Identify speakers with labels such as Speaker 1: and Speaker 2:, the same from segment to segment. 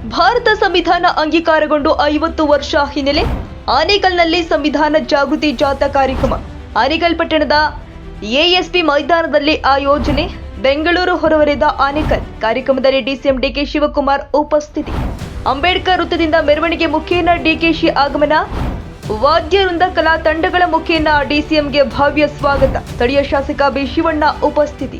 Speaker 1: ಭಾರತ ಸಂವಿಧಾನ ಅಂಗೀಕಾರಗೊಂಡು 50 ವರ್ಷ ಹಿನ್ನೆಲೆ ಆನೇಕಲ್ನಲ್ಲಿ ಸಂವಿಧಾನ ಜಾಗೃತಿ ಜಾಥಾ ಕಾರ್ಯಕ್ರಮ. ಆನೇಕಲ್ ಪಟ್ಟಣದ ಎಎಸ್ಪಿ ಮೈದಾನದಲ್ಲಿ ಆಯೋಜನೆ. ಬೆಂಗಳೂರು ಹೊರವಲಯದ ಆನೇಕಲ್. ಕಾರ್ಯಕ್ರಮದಲ್ಲಿ ಡಿಸಿಎಂ ಡಿಕೆ ಶಿವಕುಮಾರ್ ಉಪಸ್ಥಿತಿ. ಅಂಬೇಡ್ಕರ್ ವೃತ್ತದಿಂದ ಮೆರವಣಿಗೆ ಮುಖೇನ ಡಿಕೆಶಿ ಆಗಮನ. ವಾದ್ಯವೃಂದ ಕಲಾ ತಂಡಗಳ ಮುಖೇನ ಡಿಸಿಎಂಗೆ ಭವ್ಯ ಸ್ವಾಗತ. ಸ್ಥಳೀಯ ಶಾಸಕ ಬಿ ಶಿವಣ್ಣ ಉಪಸ್ಥಿತಿ.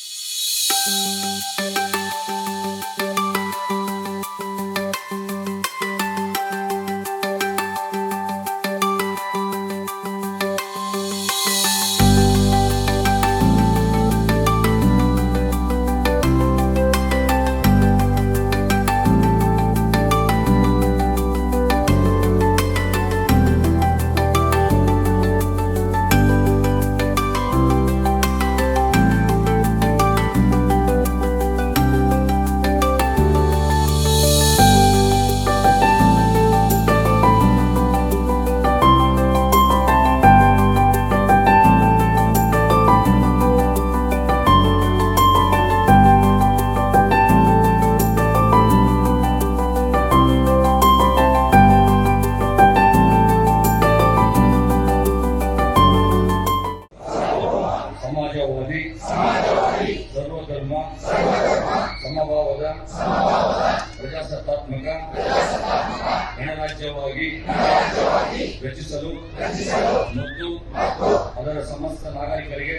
Speaker 2: ಸಮಾಜವಾದಿ ಸರ್ವಧರ್ಮ ಸಮಭಾವದ ಪ್ರಜಾಸತ್ತಾತ್ಮಕ ಗಣರಾಜ್ಯವಾಗಿ ರಚಿಸಲು ಮತ್ತು ಅದರ ಸಮಸ್ತ ನಾಗರಿಕರಿಗೆ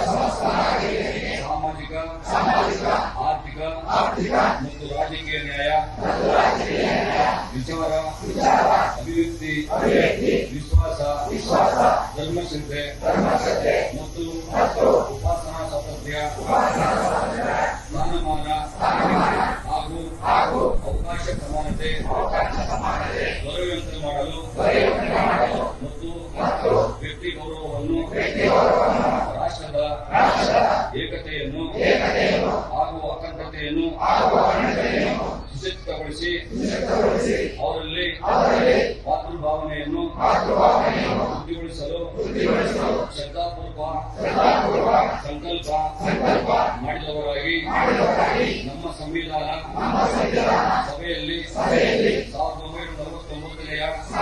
Speaker 2: ಸಾಮಾಜಿಕ ಆರ್ಥಿಕ ಮತ್ತು ರಾಜಕೀಯ ನ್ಯಾಯ, ವಿಚಾರ, ಅಭಿವ್ಯಕ್ತಿ, ವಿಶ್ವಾಸ, ಧರ್ಮಶ್ರದ್ಧೆ ಮತ್ತು ಉಪಾಸನಾ ಸ್ವಾತಂತ್ರ್ಯ, ಸ್ಥಾನಮಾನ ಹಾಗೂ ಅವಕಾಶ ಸಮಾನತೆ ದೊರೆಯುವಂತೆ ಮಾಡಲು ಮತ್ತು ವ್ಯಕ್ತಿ ಗೌರವವನ್ನು, ರಾಷ್ಟ್ರದ ಏಕತೆಯನ್ನು ಹಾಗೂ ಅಖಂಡತೆಯನ್ನು ಸುಸಜ್ಜಿತಗೊಳಿಸಿ ಅವರಲ್ಲಿ ಮಾತೃಭಾವನೆಯನ್ನು ವೃದ್ಧಿಗೊಳಿಸಲು ಶ್ರದ್ಧಾಪೂರ್ವಕ ಸಂಕಲ್ಪ ಮಾಡಿದವರಾಗಿ ನಮ್ಮ ಸಂವಿಧಾನ ಸಭೆಯಲ್ಲಿ 1949ನೇ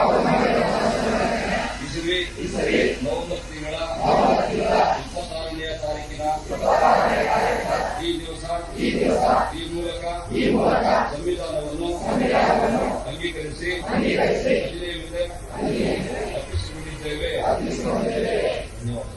Speaker 2: ಇಸವಿ ನವೆಂಬರ್ ತಿಂಗಳ 26ನೇ ತಾರೀಕಿನ ಈ ದಿವಸ ಈ ಮೂಲಕ ಸಂವಿಧಾನವನ್ನು ಅಂಗೀಕರಿಸಿ ಅರ್ಪಿಸಿಕೊಂಡಿದ್ದೇವೆ. ಧನ್ಯವಾದ.